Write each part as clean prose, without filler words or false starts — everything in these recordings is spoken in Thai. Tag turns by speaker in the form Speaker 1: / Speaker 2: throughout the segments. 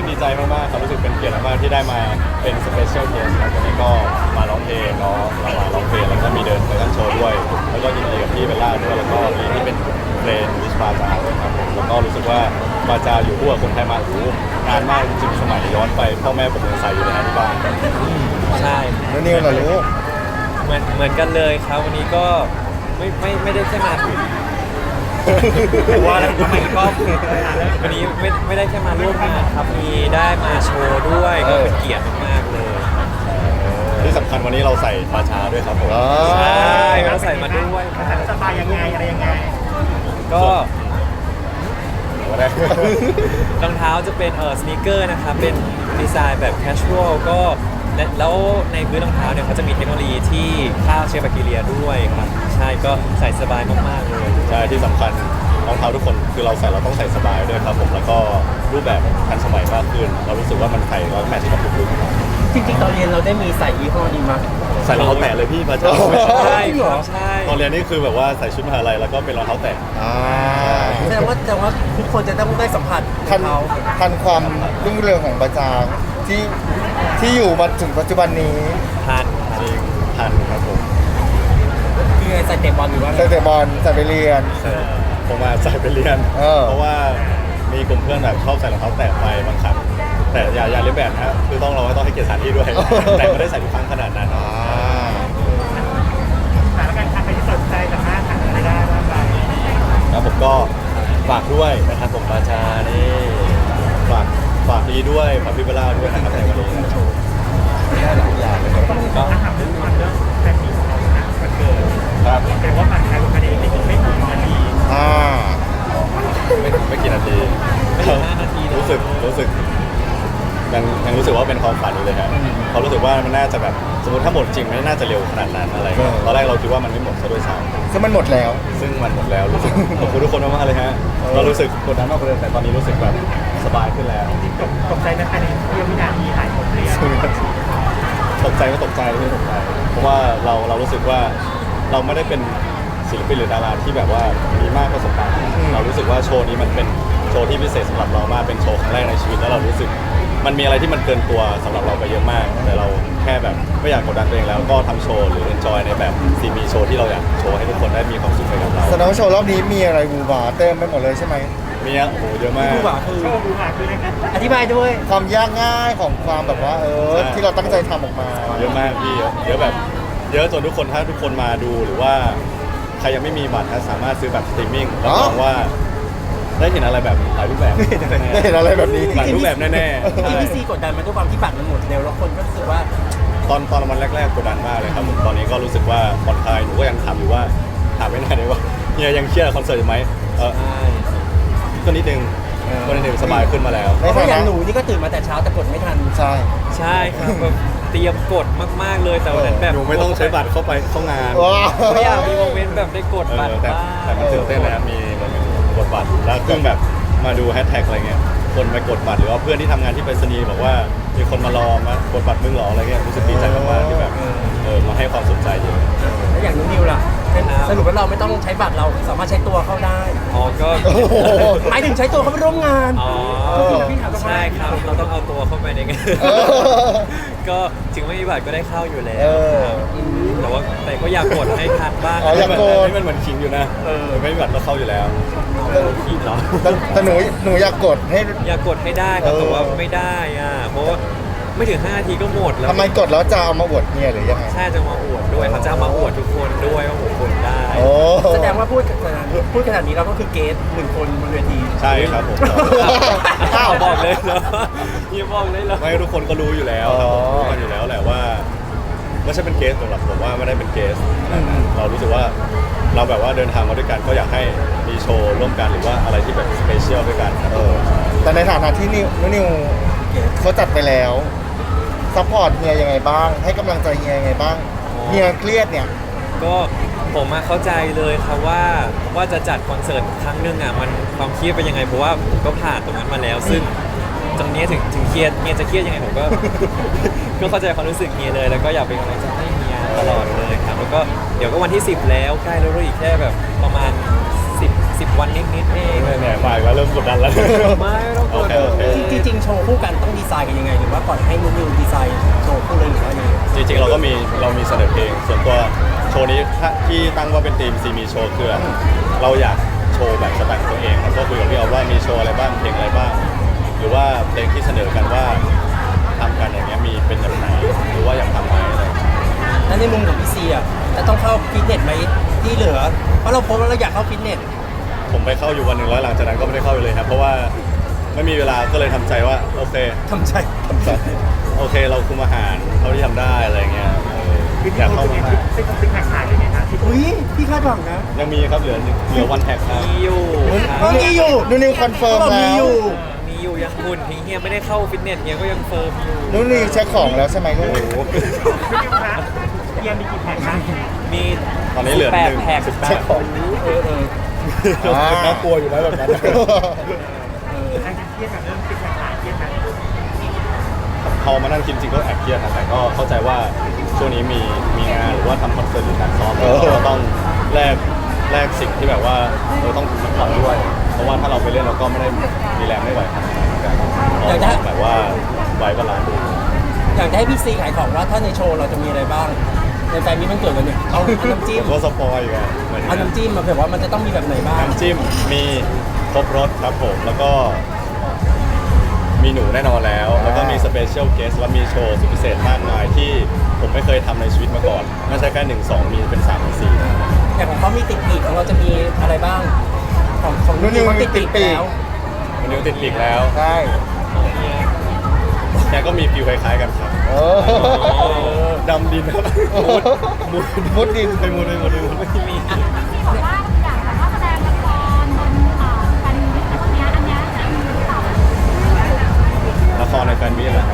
Speaker 1: กดีใจมากๆครับรู้สึกเป็นเกียรติมากๆที่ได้มาเป็นสเปเชียลเกสครับวันนี้ก็มาร้องเพลงเนาะเรามาร้องเพลงแล้วก็มีเดินแฟชั่นโชว์ด้วยแล้วก็ยินดีกับพี่เบลล่าด้วยแล้วก็มีที่เป็นเพลงวิชบาจาด้วยครับผมแล้วก็รู้สึกว่าบาจาอยู่คู่กับคนไทยมาโนานมากจริงๆสมัยย้อนไปพ่อแม่ผมยังใส่อยู่เลยนะที่บ้าน
Speaker 2: ใช่
Speaker 3: แล้วนิวล่ะลูก
Speaker 2: เหมือนกันเลยครับวันนี้ก็ไม่ได้แค่มาว่าแล้วทำไมก็วันนี้ไม่ได้แค่มาร่วมงานครับมีได้มาโชว์ด้วยก็เป็นเกียรติมากๆเลย
Speaker 1: ที่สำคัญวันนี้เราใส่ปลาชาด้วยครับผม
Speaker 2: ใช่เราใส่มาด้วย
Speaker 4: สบายยังไงอะไรยังไง
Speaker 2: ก็
Speaker 1: ก็ได้
Speaker 2: รองเท้าจะเป็นสนีกเกอร์นะครับเป็นดีไซน์แบบแคชชวลก็แล้วในพื้นรองเท้าเนี่ยเขาจะมีเทคโนโลยีที่ฆ่าเชื้อแบคทีเรียด้วยครับใช่ก็ใส่สบายมากๆเลย
Speaker 1: ใช่ที่สำคัญรองเท้าทุกคนคือเราใส่เราต้องใส่สบายด้วยครับผมแล้วก็รูปแบบทันสมัยมากขึ้นเรารู้สึกว่ามันใส่แล้วแมทช์กับทุกลุค
Speaker 4: จริงๆตอนเรียนเราได้มีใส่ยี่ห้อนี้มั้ย
Speaker 1: ใส่รองเท้าแตะเลยพี่มาจาก
Speaker 2: ใช่ครับใช่
Speaker 1: ตอนเรียนนี่คือแบบว่าใส่ชุดมหาลัยแล้วก็เป็นรองเท้าแตะ
Speaker 4: แสดงว่าทุกคนจะต้องได้สัมผัส
Speaker 3: ทัน
Speaker 4: เขา
Speaker 3: ทันความรุ่งเรืองของประจางที่อยู่มาถึงปัจจุบันนี้
Speaker 2: ทาน
Speaker 1: จริงทันครับผม
Speaker 4: คือไงใส่เตะบอลหรือว่า
Speaker 3: ใส่แต่บอลใส่ไปเรียน
Speaker 1: ผมมาใส่ไปเรียน เพราะว่ามีกลุ่มเพื่อนแบบชอบใส่รองเท้าแตะไปบางครั้งแต่อย่าเลียนแบบนะคือต้องเราต้องให้เกียรติสถานที่ด้วย แต่ไม่ได้ใส่ทุกครั้งขนาดนั้น
Speaker 4: สถานการณ์ใครที่สนใจสามารถหาอะไรได้บ้างไป
Speaker 1: แล้วผมก็ฝากด้วยนะครับผมปาชานี่ฝากดีด้วยฝากพี่เบลล่าด้วยนะครับในวันนี้ได้หลายอย่างเลยครับ
Speaker 2: ก็
Speaker 4: ถามเรื่องแฟนมีของเรานะมันเกิด
Speaker 1: ครับ
Speaker 4: แต่ว่าผ่านการวันนี้ไม่ถึงนาที
Speaker 1: ไม่กี่นาที
Speaker 2: ไม่ถึง5 นาทีเลย
Speaker 1: รู้สึกยังรู้สึกว่าเป็นความฝันอยู่เลยครับเขารู้สึกว่ามันน่าจะแบบสมมติถ้าหมดจริงมันน่าจะเร็วขนาดนั้นอะไรเงี้ยตอนแรกเราคิดว่ามันไม่หมดซะด้วยซ้
Speaker 3: ซึ่งมันหมดแล้ว
Speaker 1: ำซึ่งมันหมดแล้วรู้สึกขอบคุณทุกคนมากๆเลยฮะเรารู้สึกกดดันมากกว่าเดิมแต่ตอนนี้รู้สึกแบบสบายขึ้นแล้ว
Speaker 4: ตกใจนะภายในเพียงวินาทีหายหมดเลย
Speaker 1: ตกใจก็ตกใจไม่ตกใจ เพราะว่าเรารู้สึกว่าเราไม่ได้เป็นศิลปินหรือดาราที่แบบว่ามีมากประสบการณ์เรารู้สึกว่าโชว์นี้มันเป็นโชว์ที่พิเศษสำหรับเรามากเป็นโชว์ครั้งแรกในชีวิตแล้วเรารู้สึกมันมีอะไรที่มันเกินตัวสำหรับเราไปเยอะมาก แต่เราแค่แบบไม่อยากกดดันตัวเองแล้วก็ทำโชว์หรือ enjoy ในแบบซีมีโชว์ที่เราอยากโชว์ให้ทุกคนได้มีความสุขไปกับเรา
Speaker 3: แสดงว่าโชว์รอบนี้มีอะไรบูบาเต็มไปหมดเลยใช่ไหม
Speaker 1: มีโอ้โหเยอะมาก
Speaker 4: ดูหว่าคืออธิบายด้วย
Speaker 3: ความยากง่ายของความแบบว่าที่เราตั้งใจทำออกมา
Speaker 1: เยอะมากพี่เยอะแบบเยอะจนทุกคนถ้าทุกคนมาดูหรือว่าใครยังไม่มีบัตรนะสามารถซื้อแบบสตรีมมิ่งรับรองว่าได้เห็นอะไรแบบหลายรูปแบบ
Speaker 3: ได้เห็นอะไรแบบนี้
Speaker 1: หลายรูปแบบแน่ๆ
Speaker 4: จริง
Speaker 1: ใช่
Speaker 4: ๆพี่ซีกดดันมาด้วยความที่บัตรมันหมดเร็วแล้วคนก็รู้สึกว่า
Speaker 1: ตอนวันแรกๆกดดันมากเลยครับผมตอนนี้ก็รู้สึกว่าผ่อนคลายหนูก็ยังถามอยู่ว่าถามไม่นานเลยว่าเฮียยังเครียดกับคอนเสิร์ตอยู่ไหม
Speaker 2: ใช่
Speaker 1: ก็นิดนึงสบายขึ้นมาแล้ว
Speaker 4: เพราะอย่างหนูนี่ก็ตื่นมาแต่เช้าแต่กดไม่ทัน
Speaker 3: ใช่
Speaker 2: ใช่ครับแบบเตรียมกดมากๆเลยแต่วันนั้นแบบ
Speaker 1: หนูไม่ต้องใช้บัตรเข้าไปเข้างาน
Speaker 3: ว้าว
Speaker 2: ไม่อยากมีโมเมนต์แบบได้กดบัตร
Speaker 1: แต่
Speaker 2: บ้าง
Speaker 1: แต่มันตื่นเต้นนะครับมีกดบัตรแล้วเครื่องแบบมาดูแฮชแท็กอะไรเงี้ยคนไปกดบัตรหรือว่าเพื่อนที่ทำงานที่ไปรษณีย์บอกว่ามีคนมารอมากดบัตรมึงเหรออะไรเงี้ยรู้สึกดีใจมากๆที่แบบมาให้ความสนใจเยอะ
Speaker 4: แล้วอย่างน้องนิวล่ะสรุปว่าเราไม่ต้องใช้บัตรเราสามารถใช้ตัวเข้าได้
Speaker 2: อ๋อก็
Speaker 4: หมายถึงใช้ตัวเขาไปร่วมงาน
Speaker 2: อ๋อ
Speaker 4: พี่ถาม
Speaker 2: ใช่ครับเราต้องเอาตัวเข้าไปในงาน
Speaker 3: เออ
Speaker 2: ก็ถึงไม่มีบัตรก็ได้เข้าอยู่แล้
Speaker 3: เอ
Speaker 2: ว
Speaker 3: อ
Speaker 2: ครับแต่ว่าแต่ก็อยากกดให้ทันบ้าง
Speaker 3: อ๋ออยากกด
Speaker 1: นี่มันเหมือนขิงอยู่นะไม่มีบัตรก็เข้าอยู่แล้ว
Speaker 2: คิดเหรอ
Speaker 3: แต่หนูอยากกดให้
Speaker 2: อยากกดให้ได้ครับแต่ว่าไม่ได้อ่ะเพราะว่าไม่ถึง5 นาทีก็หมดแล้ว
Speaker 3: ทำไมกดแล้วจะเอามาอวดเนี่ยหรือยังไง
Speaker 2: ใช่จะมาอวดด้วยเขาจะเอามาอวดทุกคนด้วยว่าผมกดได้
Speaker 3: โอ้
Speaker 4: แสดงว่าพูดขนาดนี้เราก็คือเกสหนึ่งคนบนเวที
Speaker 1: ใช่ครับผม
Speaker 2: อ้าวบอกเลยเหรออย่าบอกเลยเหรอ
Speaker 1: ไม่ทุกคนก็รู้อยู่แล้วครับผมรู้กันอยู่แล้วแหละว่าไม่ใช่เป็นเคสสำหรับผมว่าไม่ได้เป็นเคสเรารู้สึกว่าเราแบบว่าเดินทางมาด้วยกันก็อยากให้มีโชว์ร่วมกันหรือว่าอะไรที่แบบสเปเชียลด้วยกันครับ
Speaker 3: แต่ในฐานะที่นิวเขาจัดไปแล้วซัพพอร์ตเฮียยังไงบ้าง ให้กำลังใจเฮียยังไงบ้างเฮียเครียดเนี่ย
Speaker 2: ก็ผมมาเข้าใจเลยครับว่าจะจัดคอนเสิร์ตครั้งหนึ่งอ่ะมันความเครียดเป็นยังไงเพราะว่าผมก็ผ่านตรงนั้นมาแล้ว ซึ่งตรงนี้ถึงเครียดเฮียจะเครียดยังไงผมก็ ก็เข้าใจความรู้สึกเฮียเลย แล้วก็อยากเป็นกำลังใจให้เฮียตลอดเลยครับแล้วก็เดี๋ยวก็วันที่10แล้วใกล้แล้วอีกแค่แบบประมาณ10 10 วันนิดๆเอง
Speaker 1: เนี่ยมาอีกแล้วเริ่มกดดันแล้ว
Speaker 2: ไม่ต้องกด
Speaker 1: โอเค
Speaker 4: จริงๆโชว์คู่กันต้องดีไซน์กันยังไงหรือว่าปล่อยให้นิวดีไซน์โชว์คู่เลยหรือว่ายังไง
Speaker 1: จริงๆเรามีเสนอเพลงส่วนตัวโชว์นี้ที่ตั้งว่าเป็นทีมซีมีโชว์คือเราอยากโชว์แบบสไตล์ของตัวเองครับก็คุยกับพี่เอาว่ามีโชว์อะไรบ้างเพลงอะไรบ้าง หรือว่าเพลงที่เสนอกันว่าทำกันอย่างเงี้ยมีเป็นแบบไหนหรือว่าอยากทำไหมอะไร
Speaker 4: แล้วในมุมของพี่ซีอ่ะจะต้องเข้าฟิตเนสไหมที่เหลือเพราะเราโพสต์ว่าเราอยากเข้าฟิตเนส
Speaker 1: ผมไปเข้าอยู่วันหนึ่งแล้วหลังจากนั้นก็ไม่ได้เข้าไปเลยครับเพราะว่าไม่มีเวลาก็เลยทำใจว่าโอเค
Speaker 4: ทำใจ
Speaker 1: โอเคเราคุมอาหารเท่าที่ทำได้อะไรเงี้ยอยากเข้ามาก
Speaker 5: เป็นติ๊กแข่งเลยนะที่
Speaker 4: อุ้ยพี่คาดหวังนะ
Speaker 1: ยังมีครับเหลือวันแท็กครับ
Speaker 2: มีอยู่ครับ
Speaker 4: ก็มีอยู่
Speaker 3: นูนิวคอนเฟิร์ม
Speaker 4: ก็มี
Speaker 3: แล้
Speaker 4: อ
Speaker 3: ว
Speaker 4: ยู่
Speaker 2: มีอยู่ยังหุ่นถึงเฮียไม่ได้เข้าฟิตเนสเฮียก็ยังเฟิร์มอยู่
Speaker 3: นูนิวเช็คของแล้วใช่ไหมลูก
Speaker 1: โอ้โห
Speaker 5: ไม่ได้นะเยียมีกี่แข่งนะ
Speaker 2: มี
Speaker 1: ตอนนี้เหลือ
Speaker 2: แปด
Speaker 1: หนึ่ง
Speaker 2: แพ็ค
Speaker 3: เช็คของ
Speaker 1: น่ากลัวอยู่แล้วแบบนั้น
Speaker 5: อันเครียดกับเรื่องติ๊กแข่งเครียดนะ
Speaker 1: พอมานั่งคิดจริงก็แอบเครียดนะแต่ก็เข้าใจว่าช่วงนี้มีงานหรือว่าทำคอนเสิร์ตหรือการซ้อมเราก็ต้องแลกสิ่งที่แบบว่าเราต้องทำด้วย เพราะว่าถ้าเราไปเล่นเราก็ไม่ได้มีแรงไม่ไหวทำงานเหมือนกันเราต้องแบบว่าไว้บาลานซ์ดู
Speaker 4: อยากจะให้พี่ซีขายของว่าถ้าในโชว์เราจะมีอะไรบ้างในแฟนมีมันเกิดกันเนี่ยเอาน้ำจิ้ม
Speaker 1: ก็สปอยล์กันเหมือน
Speaker 4: เอาน้ำจิ้มมาแบบว่ามันจะต้องมีแบบไหนบ้าง
Speaker 1: น้ำจิ้มมีครบรสครับผมแล้วก็มีหนูแน่นอนแล้ว แล้วก็มีสเปเชียลเกสและมีโชว์สุดพิเศษมากมายที่ผมไม่เคยทำในชีวิตมาก่อน ไม่ใช่แค่1 2 มีเป็น3 4
Speaker 4: แต่ของเขามีติดปีกของเราจะมีอะไรบ้าง ของ
Speaker 3: นูนิว
Speaker 4: เขา
Speaker 3: มี
Speaker 4: ติด
Speaker 3: ติ
Speaker 4: ปี
Speaker 3: ด
Speaker 4: ก
Speaker 3: ปีก
Speaker 4: แล้ว
Speaker 1: วันนี้ติดปีกแล้ว
Speaker 3: ใช่
Speaker 1: แกก็มีฟิลคล้ายๆกันครับ
Speaker 3: เออ
Speaker 1: ดำดินครับมุดดินไปมุดไม่มี
Speaker 6: ที่บอกว่าอยากแบบว่าแสดงละครบนแฟนมิตรพวกเนี้ยอันเนี้ยจะมีหรือเปล่า
Speaker 1: ละครในแฟนมิตรเหรอ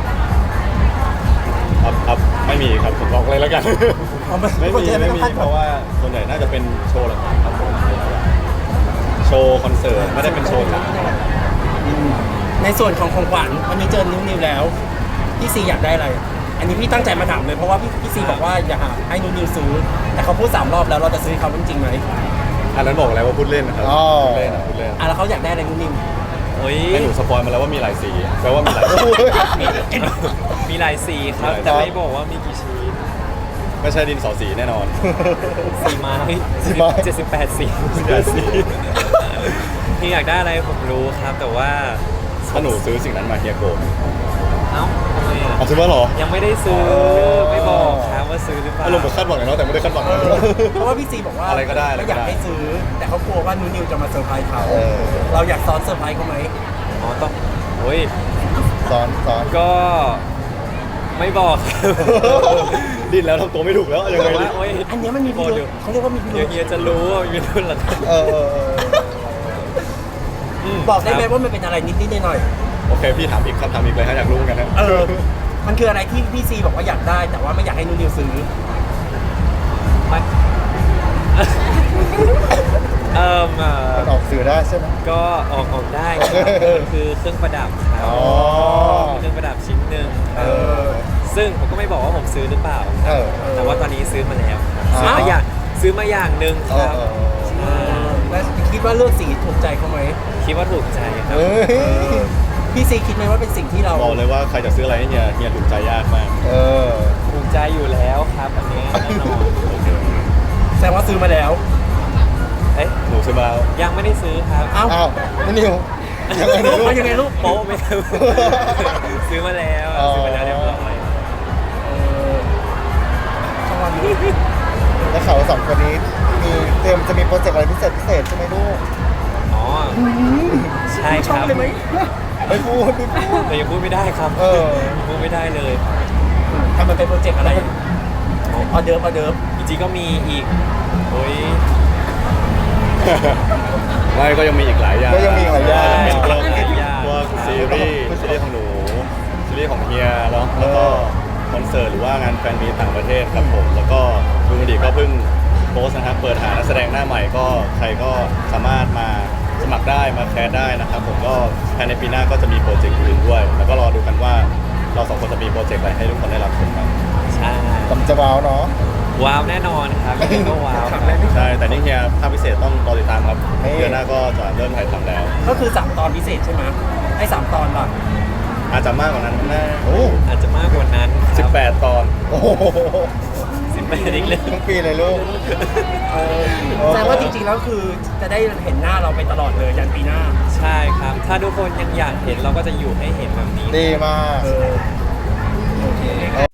Speaker 1: ครับไม่มีครับผมบอกเลยแล้วกัน
Speaker 4: เอาไม่
Speaker 1: ไม่
Speaker 4: คน
Speaker 1: มี
Speaker 4: จะ
Speaker 1: ไม่
Speaker 4: ต้อง
Speaker 1: มี
Speaker 4: คาดห
Speaker 1: เพ
Speaker 4: วัง
Speaker 1: ราะว่าส่วนใหญ่น่าจะเป็นโชว์หลักๆครับผมโชว์คอนเสิร์ตไม่ได้เป็นโชว์จ๋า
Speaker 4: ในส่วนของของขวัญวันนี้เจอนิวแล้ว พี่ซีอยากได้อะไร อันนี้พี่ตั้งใจมาถามเลยเพราะว่าพี่ซีบอกว่าอยากให้นิวซื้อ แต่เขาพูด3 รอบแล้วเราจะซื้อเขาจริงๆไหม
Speaker 1: อันนั้นบอกอะไรว่าพูดเล่นนะครับ
Speaker 3: อ๋อ
Speaker 1: พูดเล่นนะพูดเล่น
Speaker 4: อ่ะแล้วเขาอยากได้อะไรนิว
Speaker 2: เฮ้ย
Speaker 1: ให้หนูสปอยมาแล้วว่ามีหลายสีแปลว่ามีหลายสี
Speaker 2: มีหลายสีครับ
Speaker 1: มีหลายสี
Speaker 2: แต่ไม่บอกว่ามีกี่ชิ้น
Speaker 1: ไม่ใช่ดินสอสีแน่นอน
Speaker 2: สีไม้
Speaker 3: สีไม้
Speaker 2: 78 สี
Speaker 1: หลายสี
Speaker 2: ที่อยากได้อะไรผมรู้ครับ แต่ว่า
Speaker 1: ถ้าหนูซื้อสิ่งนั้นมาเฮียโกรธ
Speaker 2: เอ้าทำไมอ่ะ
Speaker 1: เอาซื้อมาเหรอ
Speaker 2: ยังไม่ได้ซื้อไม่บอกครับว่าซื้อหรือเปล่า
Speaker 1: อารมณ์เหมือนคาดหวังเนาะแต่ไม่ได้คาดหวัง
Speaker 4: เพราะว่าพี่ซีบอกว่า
Speaker 1: อะไรก็ได้
Speaker 4: ไม่อยากให้ซื้อ แต่เขากลัวว่านิวจะมาเซอร์ไพรส์เขา
Speaker 3: เออ
Speaker 4: เราอยากซ้อนเซอร์ไพรส์เขาไหม
Speaker 2: อ๋อต้องโอ้ย
Speaker 3: สอน
Speaker 2: ก็ไม่บอกครับ
Speaker 1: ดิ้นแล้วทำตัวไม่ถูกแล้วยังไง
Speaker 2: แต่
Speaker 1: ดี
Speaker 2: ว่าโอ้ย
Speaker 4: อันเนี้ยมันมีพิรุธเขาเรียกว่ามีพิรุ
Speaker 2: เดี๋ยว
Speaker 4: ธ
Speaker 2: เฮียจะรู้ว่ามีรุ่นหลัง
Speaker 3: เออ
Speaker 4: บอกได้ไหมว่ามันเป็นอะไรนิดๆหน่อย
Speaker 1: โอเคพี่ถามอีกคำถามอีกเลยฮะอยากรู้เหมือนกันนะ
Speaker 4: ๆมันคืออะไรที่พี่ซีบอกว่าอยากได้ แต่ว่าไม่อยากให้นิวซื้อ
Speaker 2: ไม่
Speaker 3: มันออกสื่อได้ใช่ไหม
Speaker 2: ก็ออกได้ครับคือเครื่องประดับครับ
Speaker 3: อ๋อ
Speaker 2: เครื่องประดับชิ้นหนึ่งค
Speaker 3: เอ
Speaker 2: รับ
Speaker 3: อ
Speaker 2: ซึ่งผมก็ไม่บอกว่าผมซื้อหรือเปล่า
Speaker 3: เออ
Speaker 2: แต่ว่าตอนนี้ซื้อมาแล้ว
Speaker 3: อ้าว
Speaker 2: ซื้อมาอย่างหนึ่ง
Speaker 3: เอ
Speaker 2: ค
Speaker 3: อ
Speaker 2: รับ
Speaker 3: เออ
Speaker 2: ใช่
Speaker 4: แล้วคิดว่าเลือกสีถูกใจเขาไหม
Speaker 2: คิดว่าถูกใจครับ
Speaker 3: เฮ้ย
Speaker 4: พี่ซีคิดไหมว่าเป็นสิ่งที่เรา
Speaker 1: บอกเลยว่าใครจะซื้ออะไรให้เฮียถูกใจยากมาก
Speaker 3: เออ
Speaker 2: ถูกใจอยู่แล้วครับอันนี้แน่นอน
Speaker 4: แสดงว่าซื้อมาแล้ว
Speaker 2: เอ๊ะ
Speaker 1: หนูซื้อมาแล้ว
Speaker 2: ยังไม่ได้ซื้อครับ
Speaker 4: เอ้า
Speaker 3: อ้าวนูนิวยังไงนะลูก
Speaker 4: เอายังไงลูก
Speaker 2: โป๊ะไหมครับ ซื้อมาแล้ว
Speaker 3: อ๋อ
Speaker 2: ซื้อมาแล้วเรียบร้อย
Speaker 4: ช่องวันนี้
Speaker 3: แล้วเขาสองคนนี้มีเตรียมจะมีโปรเจกต์อะไรพิเศษใช่ไหมลูก
Speaker 2: อ๋อใช่ครับ
Speaker 4: เลยไหม
Speaker 3: ไม่พูดไม่พูด
Speaker 2: แต่ยังพูดไม่ได้ครับ
Speaker 3: เออ
Speaker 2: พูดไม่ได้เลย
Speaker 4: ทำมันเป็นโปรเจกต์อะไรออเดิร์ฟ
Speaker 2: จริงๆก็มีอีกโอ้ย
Speaker 1: ไม่ก็ยังมีอีกหลายอย่าง
Speaker 3: ก็ยังมีอีกหลายอย่าง
Speaker 1: เป็นพวก
Speaker 2: หลายอย่าง
Speaker 1: พวกซีรีส์ของหนูซีรีส์ของเฮียแล้วก็คอนเสิร์ตหรือว่างานแฟนมีตต่างประเทศครับผมแล้วก็ลุงดีก็เพิ่งโพสต์นะครับเปิดหานักแสดงหน้าใหม่ก็ใครก็สามารถมาสมัครได้มาแคสได้นะครับผมก็ภายในปีหน้าก็จะมีโปรเจกต์อื่นด้วย แล้วก็รอดูกันว่าเราสองคนจะมีโปรเจกต์อะไรให้ทุกคนได้รับชมกัน
Speaker 2: ใช่
Speaker 3: กำจะว้าวเนาะ
Speaker 2: ว้าวแน่นอนครับยังไงก็ว้าวครับ
Speaker 1: ใช่แต่นี่เฮียภาคพิเศษต้องรอติดตามครับเดือนหน้าก็จะเริ่มถ่ายทำแล้ว
Speaker 4: ก็คือ3 ตอนพิเศษใช่ไหมไอ้3 ตอนป่ะ
Speaker 1: อาจจะมากกว่านั้นแน่
Speaker 3: โอ้
Speaker 2: อาจจะมากกว่านั้นครับ
Speaker 1: 18 ตอน
Speaker 3: โอ้โห
Speaker 2: 18อีกเลย
Speaker 3: ทั้งปีเลยลูก
Speaker 4: แสดงว่าจริงๆแล้วคือจะได้เห็นหน้าเราไปตลอดเลยยันปีหน้า
Speaker 2: ใช่ครับ ถ้าทุกคนยังอยากเห็นเราก็จะอยู่ให้เห็นแบบนี้
Speaker 3: ดีมาก
Speaker 4: โอเค
Speaker 3: โอ